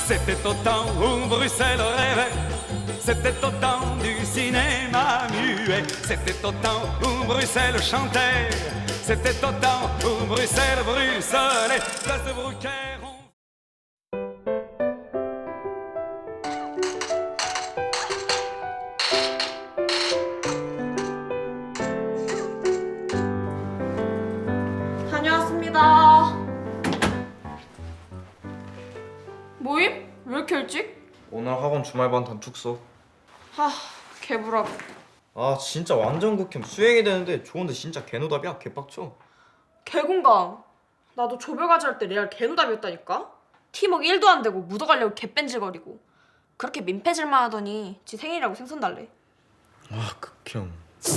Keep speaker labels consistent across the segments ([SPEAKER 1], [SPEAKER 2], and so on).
[SPEAKER 1] C'était au temps où Bruxelles rêvait, c'était au temps du cinéma muet, c'était au temps où Bruxelles chantait, c'était au temps où Bruxelles bruxelait, place de Bruckner.
[SPEAKER 2] 다녀왔습니다. 모임? 왜 이렇게 일찍?
[SPEAKER 3] 오늘 학원 주말반 단축수.
[SPEAKER 2] 하, 개부라고.
[SPEAKER 3] 아 진짜 완전 극혐. 수행이 되는데 좋은데 진짜 개노답이야. 개빡쳐.
[SPEAKER 2] 개공감. 나도 조별과제 할 때 레알 개노답이었다니까? 팀워크 1도 안 되고 묻어가려고 개뺀질거리고. 그렇게 민폐질만 하더니 지 생일이라고 생선 달래.
[SPEAKER 3] 아 극혐.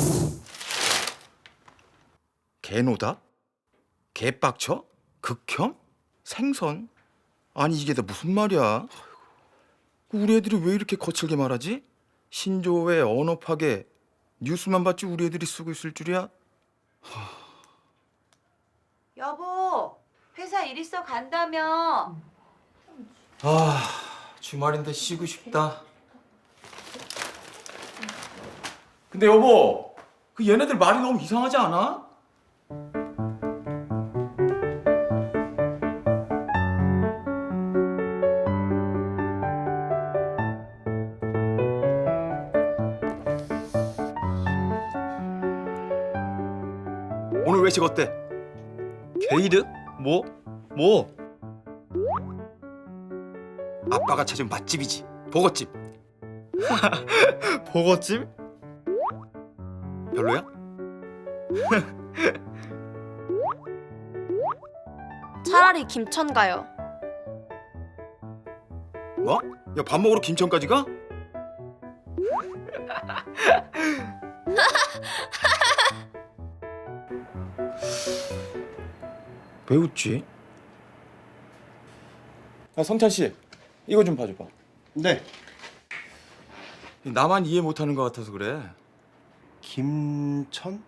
[SPEAKER 4] 개노다? 개빡쳐? 극혐? 생선? 아니 이게 다 무슨 말이야? 우리 애들이 왜 이렇게 거칠게 말하지? 신조어에 언어 파괴, 뉴스만 봤지 우리 애들이 쓰고 있을 줄이야?
[SPEAKER 5] 여보, 회사 일 있어 간다며.
[SPEAKER 4] 아 주말인데 쉬고 싶다. 근데 여보, 그 얘네들 말이 너무 이상하지 않아? 오늘 외식 어때?
[SPEAKER 3] 게이드? 뭐? 뭐?
[SPEAKER 4] 아빠가 찾은 맛집이지. 버거집.
[SPEAKER 3] 버거찜?
[SPEAKER 4] 별로야?
[SPEAKER 2] 차라리 김천 가요.
[SPEAKER 4] 뭐? 야 밥 먹으러 김천까지 가? 왜 웃지? 야 성찬 씨, 이거 좀 봐줘봐.
[SPEAKER 6] 네.
[SPEAKER 4] 나만 이해 못하는 것 같아서 그래.
[SPEAKER 6] 김천?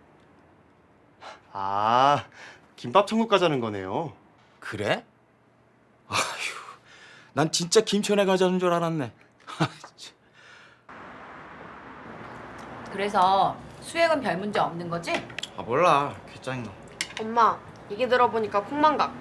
[SPEAKER 6] 아, 김밥 천국 가자는 거네요.
[SPEAKER 4] 그래? 아휴, 난 진짜 김천에 가자는 줄 알았네.
[SPEAKER 5] 그래서 수액은 별 문제 없는 거지?
[SPEAKER 3] 아 몰라. 개짜증나.
[SPEAKER 2] 엄마, 얘기 들어보니까 콩망각.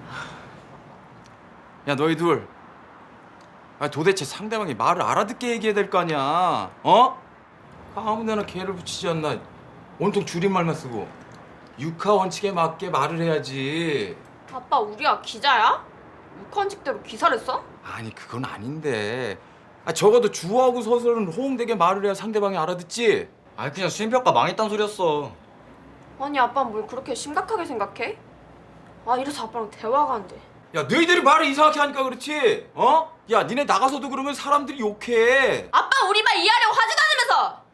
[SPEAKER 4] 야 너희 둘, 아 도대체 상대방이 말을 알아듣게 얘기해야 될 거 아니야? 어? 아무데나 개를 붙이지 않나. 온통 줄임말만 쓰고. 육하 원칙에 맞게 말을 해야지.
[SPEAKER 2] 아빠, 우리가 기자야? 육한칙대로 기사를 써?
[SPEAKER 4] 아니 그건 아닌데. 아 적어도 주어하고 서술은 호응되게 말을 해야 상대방이 알아듣지.
[SPEAKER 3] 아니 그냥 수행평가 망했단 소리였어.
[SPEAKER 2] 아니, 아빠는 뭘 그렇게 심각하게 생각해? 아, 이래서 아빠랑 대화가 안 돼.
[SPEAKER 4] 야 너희들이 말을 이상하게 하니까 그렇지. 어? 야 니네 나가서도 그러면 사람들이 욕해.
[SPEAKER 2] 아빠, 우리 말 이해하려고 하지도 않으면서!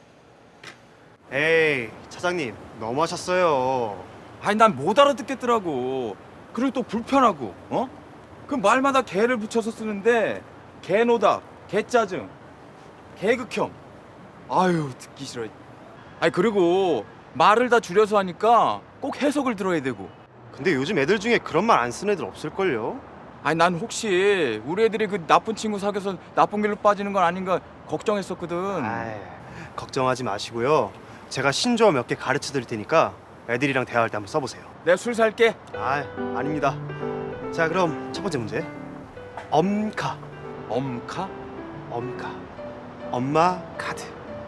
[SPEAKER 6] 에이, 차장님, 너무하셨어요.
[SPEAKER 4] 아니 난 못 알아듣겠더라고. 그리고 또 불편하고. 어? 그 말마다 개를 붙여서 쓰는데 개노다, 개짜증, 개극혐. 아유 듣기 싫어. 아니 그리고 말을 다 줄여서 하니까 꼭 해석을 들어야 되고.
[SPEAKER 6] 근데 요즘 애들 중에 그런 말 안 쓰는 애들 없을걸요?
[SPEAKER 4] 아니 난 혹시 우리 애들이 그 나쁜 친구 사귀어서 나쁜 길로 빠지는 건 아닌가 걱정했었거든.
[SPEAKER 6] 아이, 걱정하지 마시고요. 제가 신조어 몇 개 가르쳐 드릴 테니까 애들이랑 대화할 때 한번 써보세요.
[SPEAKER 4] 내가 술 살게.
[SPEAKER 6] 아, 아닙니다. 자, 그럼 첫 번째 문제. 엄카.
[SPEAKER 4] 엄카?
[SPEAKER 6] 엄카. 엄마 카드.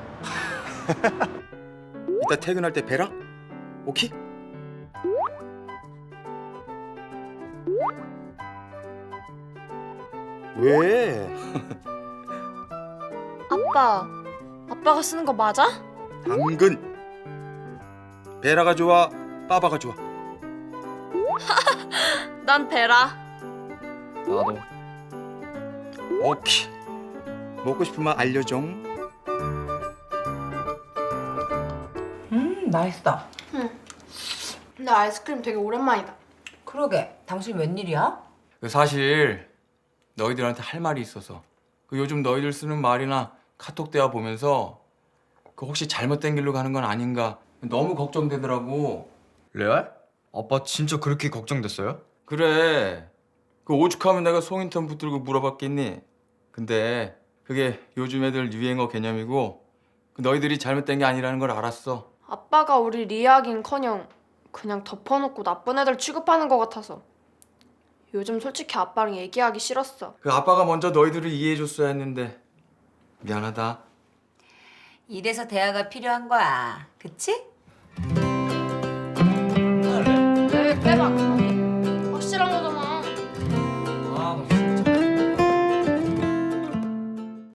[SPEAKER 4] 이따 퇴근할 때 뵈라? 오케이?
[SPEAKER 6] 왜?
[SPEAKER 2] 아빠, 아빠가 쓰는 거 맞아?
[SPEAKER 4] 당근. 베라가 좋아, 빠바가 좋아.
[SPEAKER 2] 난 베라.
[SPEAKER 3] 나도.
[SPEAKER 4] 오케이. 먹고 싶으면 알려줘.
[SPEAKER 5] 맛있다.
[SPEAKER 2] 근데 아이스크림 되게 오랜만이다.
[SPEAKER 5] 그러게, 당신 웬일이야?
[SPEAKER 4] 사실 너희들한테 할 말이 있어서. 그 요즘 너희들 쓰는 말이나 카톡 대화 보면서 그 혹시 잘못된 길로 가는 건 아닌가 너무 걱정되더라고.
[SPEAKER 3] 레알? 아빠 진짜 그렇게 걱정됐어요?
[SPEAKER 4] 그래. 그 오죽하면 내가 송인턴 붙들고 물어봤겠니? 근데 그게 요즘 애들 유행어 개념이고 너희들이 잘못된 게 아니라는 걸 알았어.
[SPEAKER 2] 아빠가 우리 리아하긴커녕 그냥 덮어놓고 나쁜 애들 취급하는 것 같아서 요즘 솔직히 아빠랑 얘기하기 싫었어.
[SPEAKER 4] 그 아빠가 먼저 너희들을 이해해줬어야 했는데 미안하다.
[SPEAKER 5] 이래서 대화가 필요한 거야. 그치?